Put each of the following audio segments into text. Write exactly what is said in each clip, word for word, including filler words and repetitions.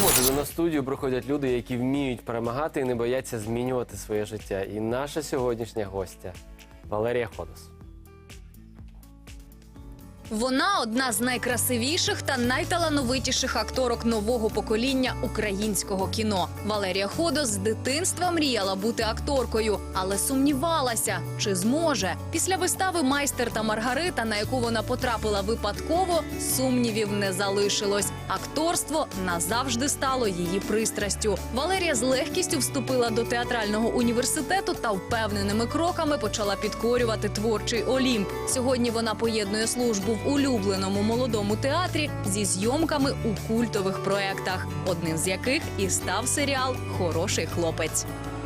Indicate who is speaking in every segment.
Speaker 1: Щосуботи до нас в студію приходять люди, які вміють перемагати і не бояться змінювати своє життя. І наша сьогоднішня гостя – Валерія Ходос.
Speaker 2: Вона одна з найкрасивіших та найталановитіших акторок нового покоління українського кіно. Валерія Ходос з дитинства мріяла бути акторкою, але сумнівалася, чи зможе. Після вистави «Майстер та Маргарита», на яку вона потрапила випадково, сумнівів не залишилось. Акторство назавжди стало її пристрастю. Валерія з легкістю вступила до театрального університету та впевненими кроками почала підкорювати творчий Олімп. Сьогодні вона поєднує службу в улюбленому молодому театрі зі зйомками у культових проєктах, одним з яких і став серіал «Хороший хлопець».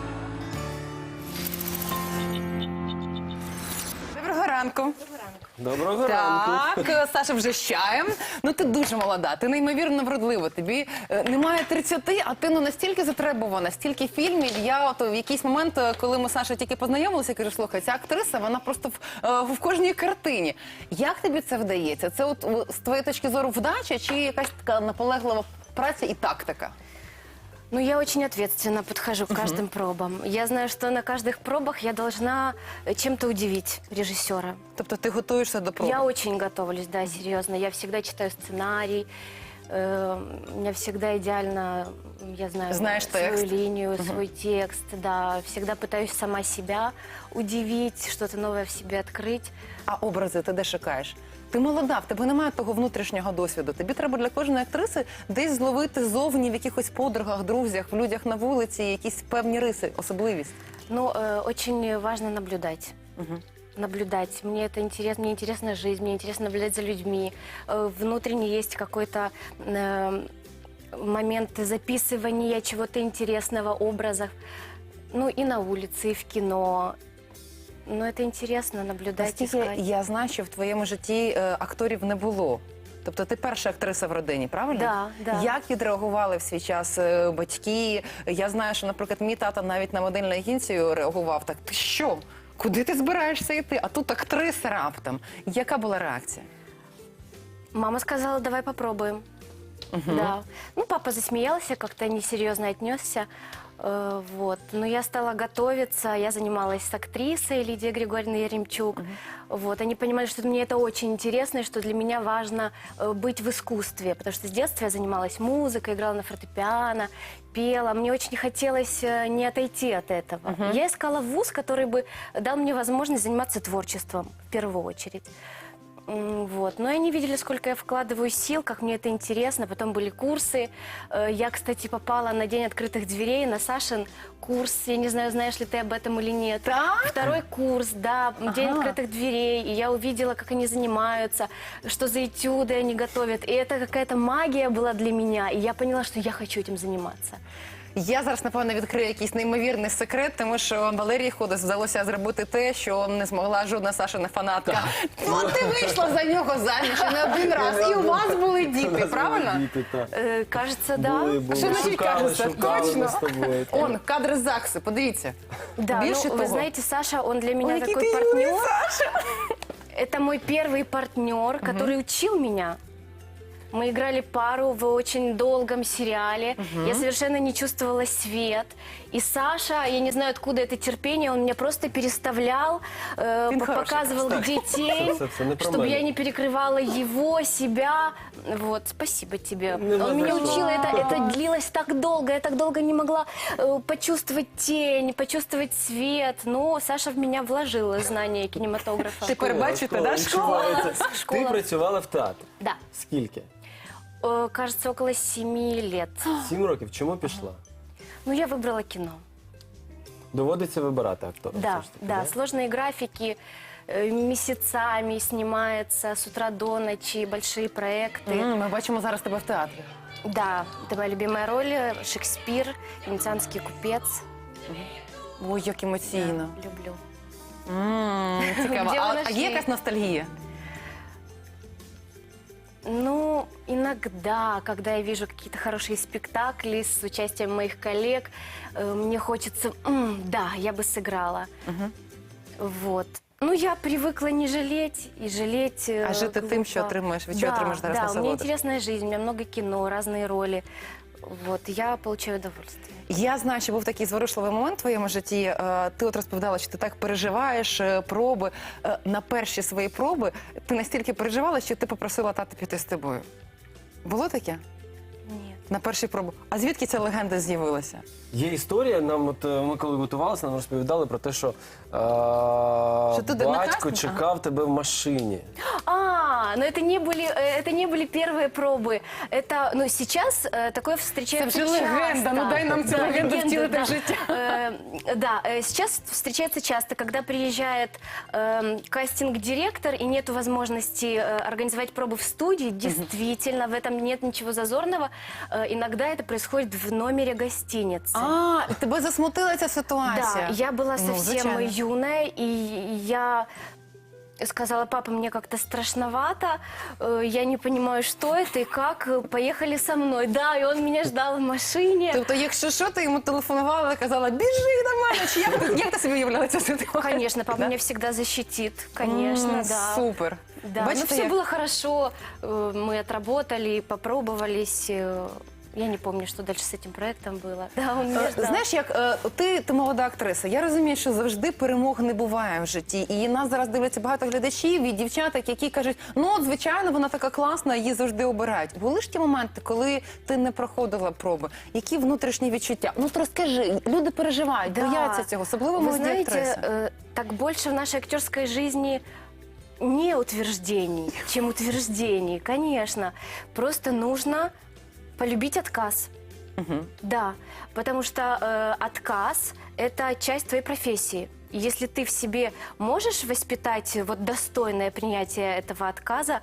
Speaker 3: Доброго ранку.
Speaker 1: Доброго ранку.
Speaker 3: Так, Саша вже з чаєм. Ну, ти дуже молода, ти неймовірно вродлива. Тобі е, немає тридцяти, а ти ну настільки затребувана, стільки фільмів. Я от в якийсь момент, коли ми з Сашою тільки познайомилися, кажу, слухай, ця актриса, вона просто в, е, в кожній картині. Як тобі це вдається? Це от з твоєї точки зору вдача чи якась така наполеглива праця і тактика?
Speaker 4: Ну, я очень ответственно подхожу к каждым пробам. Я знаю, что на каждых пробах я должна чем-то удивить режиссера.
Speaker 3: Тобто ти готуєшся до проб?
Speaker 4: Я очень готовлюсь, да, серьезно. Я всегда читаю сценарий. э, У меня всегда идеально, я знаю,
Speaker 3: Знаешь
Speaker 4: свою
Speaker 3: текст.
Speaker 4: линию, свой текст, да. Всегда пытаюсь сама себя удивить, что-то новое в себе открыть.
Speaker 3: А образи ти де шукаєш? Ти молода, в тебе немає того внутрішнього досвіду. Тобі треба для кожної актриси десь зловити зовні в якихось подругах, друзях, в людях на вулиці, якісь певні риси, особливість.
Speaker 4: Ну, э, очень важно наблюдать. Наблюдать. Мне это интересно, мне интересна жизнь, мне интересно наблюдать за людьми. Э, Внутренне есть какой-то э, момент записывания чего-то интересного, образов. Ну, и на улице, и в кино. Но это интересно наблюдать,
Speaker 3: Настільки
Speaker 4: искать.
Speaker 3: я знаю, що в твоєму житті е, акторів не було. Тобто ти перша актриса в родині, правильно?
Speaker 4: Да, да.
Speaker 3: Як відреагували в свій час е, батьки? Я знаю, що, наприклад, мій тато навіть на модельну агенцію реагував так: ти що? Куди ти збираєшся йти? А тут актриса раптом. Яка була реакція?
Speaker 4: Мама сказала, давай попробуем. Да. Ну, папа засмеялся, как-то несерьезно отнесся. Э, вот. Но я стала готовиться, я занималась с актрисой Лидией Григорьевной Яремчук. Вот. Они понимали, что мне это очень интересно, и что для меня важно э, быть в искусстве, потому что с детства я занималась музыкой, играла на фортепиано, пела. Мне очень хотелось э, не отойти от этого. Я искала вуз, который бы дал мне возможность заниматься творчеством в первую очередь. М, Вот. Но они видели, сколько я вкладываю сил, как мне это интересно. Потом были курсы. Э, Я, кстати, попала на День открытых дверей, на Сашин курс. Я не знаю, знаешь ли ты об этом или нет.
Speaker 3: Так?
Speaker 4: Второй курс, да, День
Speaker 3: Ага.
Speaker 4: открытых дверей. И я увидела, как они занимаются, что за этюды они готовят. И это какая-то магия была для меня. И я поняла, что я хочу этим заниматься.
Speaker 3: Я зараз, напевно, відкрию якийсь неймовірний секрет, тому що Валерії Ходос вдалося зробити те, що не змогла жодна Сашина фанатка. Ну, ти вийшла за нього заміж і не один раз, і у вас були діти, правильно?
Speaker 1: Діти, так.
Speaker 4: Э, Кажется, да.
Speaker 1: Були, були.
Speaker 3: Що значить
Speaker 1: Шукали,
Speaker 3: кажеться?
Speaker 1: шукали ми
Speaker 3: Точно.
Speaker 1: з тобою. так.
Speaker 3: Он, кадри з ЗАГСу, подивіться.
Speaker 4: Да,
Speaker 3: Більше
Speaker 4: ну,
Speaker 3: того.
Speaker 4: вы знаете, Саша, он для меня
Speaker 3: Ой, який
Speaker 4: такой
Speaker 3: ти
Speaker 4: партнер.
Speaker 3: юний, Саша!
Speaker 4: Это мой первый партнер, который учил меня. Мы играли пару в очень долгом сериале. Я совершенно не чувствовала свет. И Саша, я не знаю, откуда это терпение, он меня просто переставлял, э,
Speaker 3: Він
Speaker 4: по-
Speaker 3: хороший
Speaker 4: показывал,
Speaker 3: просто.
Speaker 4: где тень,
Speaker 1: Це- це не про
Speaker 4: чтобы
Speaker 1: мене.
Speaker 4: я не перекрывала его, себя. Вот, спасибо тебе.
Speaker 1: Не
Speaker 4: Он меня
Speaker 1: за что.
Speaker 4: учил, это, это длилось так долго, я так долго не могла э, почувствовать тень, почувствовать свет. Но Саша в меня вложила знания кинематографа.
Speaker 3: Тепер бачите,
Speaker 1: Школа,
Speaker 3: да, школа?
Speaker 1: відчувається.
Speaker 4: Школа.
Speaker 1: Ти працювала в театрі.
Speaker 4: Да.
Speaker 1: Скільки?
Speaker 4: Э, Кажется, около семи лет.
Speaker 1: Сім років. Чому пішла?
Speaker 4: Ну, я выбрала кино.
Speaker 1: Доводиться вибирати актора.
Speaker 4: Да,
Speaker 1: все ж таки,
Speaker 4: да, сложные графики, э, месяцами снимается с утра до ночи, большие проекты.
Speaker 3: М, Ми бачимо зараз тебе в театрі.
Speaker 4: Да, это моя любимая роль, э, Шекспир, венецианский купец.
Speaker 3: Ой, як емоційно.
Speaker 4: Да, люблю.
Speaker 3: М, Цікаво.
Speaker 4: Де
Speaker 3: А,
Speaker 4: вона
Speaker 3: а
Speaker 4: ще
Speaker 3: є
Speaker 4: є?
Speaker 3: якась ностальгія?
Speaker 4: Ну, иногда, когда я вижу какие-то хорошие спектакли с участием моих коллег, э, мне хочется, «М, да, я бы сыграла. Вот. Ну, я привыкла не жалеть и жалеть э,
Speaker 3: А жити тим, що
Speaker 4: глупо.
Speaker 3: отримуєш, від чого
Speaker 4: Да,
Speaker 3: отримуєш зараз
Speaker 4: да, у меня
Speaker 3: насолоду?
Speaker 4: интересная жизнь, у меня много кино, разные роли. вот, я получаю удовольствие.
Speaker 3: Я знаю, що був такий зворушливий момент в твоєму житті. Е, Ти от розповідала, що ти так переживаєш, е, проби. Е, На перші свої проби ти настільки переживала, що ти попросила тата піти з тобою. Було таке?
Speaker 4: Нет.
Speaker 3: На перші проби. А звідки ця легенда з'явилася?
Speaker 1: Є історія, нам от е, ми коли готувалися, нам розповідали про те, що, е,
Speaker 3: ти
Speaker 1: батько
Speaker 3: однокласник?
Speaker 1: чекав тебе в машині.
Speaker 4: А, но это не были, э, это не были первые пробы. Это, ну, сейчас э, такое встречается
Speaker 3: Це вже
Speaker 4: часто.
Speaker 3: легенда, ну дай нам цю
Speaker 4: Да,
Speaker 3: легенду
Speaker 4: легенда,
Speaker 3: втілити
Speaker 4: да.
Speaker 3: в життя.
Speaker 4: Э, Да, э, сейчас встречается часто, когда приезжает эм, кастинг-директор и нет возможности э, организовать пробы в студии. Действительно, в этом нет ничего зазорного. Э, Иногда это происходит в номере гостиницы.
Speaker 3: А, і тебе засмутила ця ситуація?
Speaker 4: Да, я была
Speaker 3: Ну,
Speaker 4: совсем
Speaker 3: звичайно.
Speaker 4: юная, и я сказала: папа, мне как-то страшновато, э, я не понимаю, что это и как, э, поехали со мной. Да, и он меня ждал в машине.
Speaker 3: Тобто, якщо що, ти йому телефонувала і казала, біжи нормально, чи як ти, як ти собі уявляла цю ситуацію?
Speaker 4: Конечно, папа
Speaker 3: Да?
Speaker 4: меня всегда защитит, конечно,
Speaker 3: М,
Speaker 4: да.
Speaker 3: Супер.
Speaker 4: Да, но
Speaker 3: Бачите,
Speaker 4: все
Speaker 3: як?
Speaker 4: было хорошо, э, мы отработали, попробовались. э, Я не помню, что дальше с этим проектом было. Да, он меня
Speaker 3: Е,
Speaker 4: ждал.
Speaker 3: Знаєш, як е, ти, ти молода актриса, я розумію, що завжди перемог не буває в житті. І нас зараз дивляться багато глядачів і дівчаток, які кажуть, ну от звичайно, вона така класна, її завжди обирають. Були ж ті моменти, коли ти не проходила проби? Які внутрішні відчуття? Ну от розкажи, люди переживають,
Speaker 4: Да.
Speaker 3: бояться цього, особливо
Speaker 4: Вы
Speaker 3: молоді
Speaker 4: знаете,
Speaker 3: актриси.
Speaker 4: э, так больше в нашей актерской жизни не утверждений, чем утверждений, конечно. Просто нужно полюбить отказ.
Speaker 3: Мгм.
Speaker 4: Да, потому что э, отказ – это часть твоей профессии. И если ты в себе можешь воспитать вот достойное принятие этого отказа,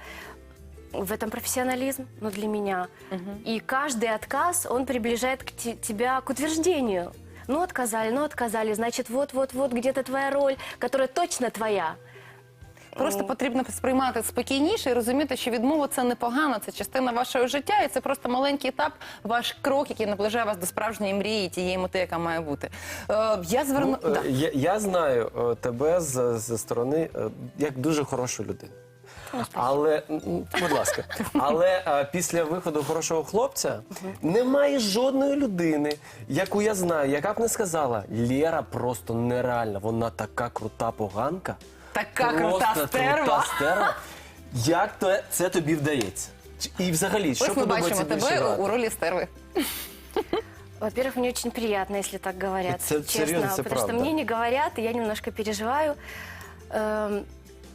Speaker 4: в этом профессионализм, ну, для меня. И каждый отказ, он приближает к те- тебя к утверждению. Ну, отказали, ну, отказали, значит, вот-вот-вот где-то твоя роль, которая точно твоя.
Speaker 3: Просто потрібно сприймати спокійніше і розуміти, що відмова – це непогано, це частина вашого життя, і це просто маленький етап, ваш крок, який наближає вас до справжньої мрії, тієї мети, яка має бути. Е, я зверну...
Speaker 1: Ну, е,
Speaker 3: Да.
Speaker 1: я, я знаю е, тебе з, зі сторони е, як дуже хорошу людину. Але, м, будь ласка, але е, після виходу хорошого хлопця немає жодної людини, яку я знаю, яка б не сказала, Лєра просто нереальна, вона така крута поганка.
Speaker 3: Така
Speaker 1: просто
Speaker 3: крута стерва.
Speaker 1: крута стерва. Як то це тобі вдається? Чи- І взагалі, що
Speaker 3: Ось ми
Speaker 1: подобається
Speaker 3: бачимо
Speaker 1: більше
Speaker 3: тебе
Speaker 1: грати?
Speaker 3: у ролі стерви.
Speaker 4: Во-первых, мне очень приятно, если так говорят,
Speaker 1: Это
Speaker 4: честно.
Speaker 1: серьезно, это
Speaker 4: потому что
Speaker 1: правда.
Speaker 4: мне не говорят, и я немножко переживаю. Эм,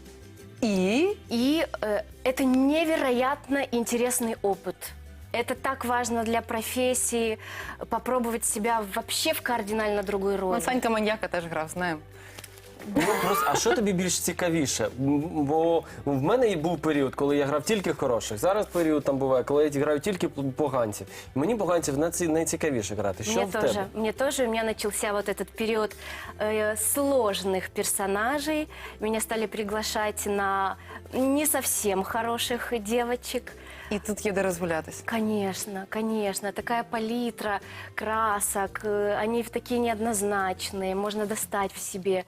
Speaker 3: І
Speaker 4: И э, это невероятно интересный опыт. Это так важно для профессии, попробовать себя вообще в кардинально другой роли.
Speaker 3: ну, Санька Маньяка теж грав, знаємо.
Speaker 1: Ну, просто, а що тобі більш цікавіше? М, Бо в мене і був період, коли я грав тільки хороших. Зараз період там буває, коли я граю тільки поганців. Мені поганців найці- найцікавіше грати. Що
Speaker 4: Мне
Speaker 1: в
Speaker 4: тоже,
Speaker 1: тебе?
Speaker 4: мне тоже, у меня начался вот этот период э, сложных персонажей. Меня стали приглашать на не совсем хороших девочек.
Speaker 3: І тут є де розгулятись.
Speaker 4: Конечно, конечно, такая палитра красок, э, они такие неоднозначные, можно достать в себе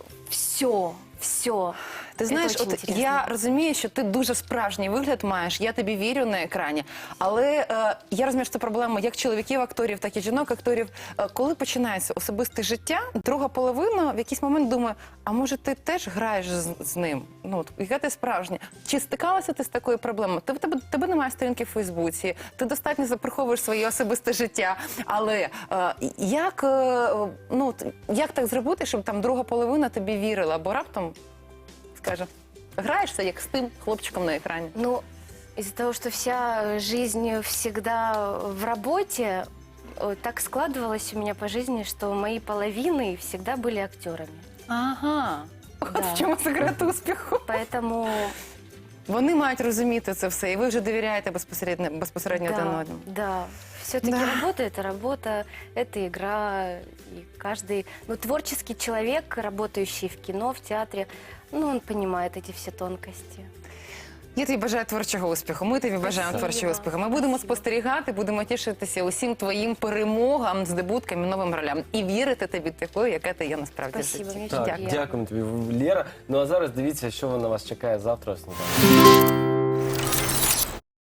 Speaker 4: все, все.
Speaker 3: Ти знаєш, от я розумію, що ти дуже справжній вигляд маєш, я тобі вірю на екрані, але е, я розумію, що це проблема як чоловіків-акторів, так і жінок-акторів. Е, коли починається особисте життя, друга половина в якийсь момент думає, а може ти теж граєш з, з ним? Ну, от, яка ти справжня? Чи стикалася ти з такою проблемою? Ти, в тебе, тебе немає сторінки в Фейсбуці, ти достатньо заприховуєш своє особисте життя, але е, як, е, ну, от, як так зробити, щоб там друга половина тобі вірила, бо раптом скаже, граєшся як з тим хлопчиком на екрані.
Speaker 4: Ну, из-за того, что вся жизнь всегда в работе, э, так складывалось у меня по жизни, что мои половины всегда были актерами.
Speaker 3: Ага. От
Speaker 4: Да.
Speaker 3: в чому секрет успіху.
Speaker 4: Поэтому
Speaker 3: Вони мають розуміти це все, і ви вже довіряєте безпосередньо, безпосередньо один
Speaker 4: да,
Speaker 3: одному.
Speaker 4: да. Все-таки
Speaker 3: Да.
Speaker 4: работа – это работа, это игра. И каждый, ну, творческий человек, работающий в кино, в театре, ну, он понимает эти все тонкости.
Speaker 3: Я тобі бажаю творчого успіху. Ми тобі бажаємо
Speaker 4: Спасибо.
Speaker 3: творчого успіху. Ми будемо
Speaker 4: Спасибо.
Speaker 3: спостерігати, будемо тішитися усім твоїм перемогам, здобуткам і новим ролям. І вірити тобі такою, яка ти є насправді в
Speaker 4: Спасибо,
Speaker 3: житті.
Speaker 4: мені
Speaker 1: Так,
Speaker 4: Дякую.
Speaker 1: дякуємо тобі, Лєра. Ну а зараз дивіться, що на вас чекає завтра. о сніданку.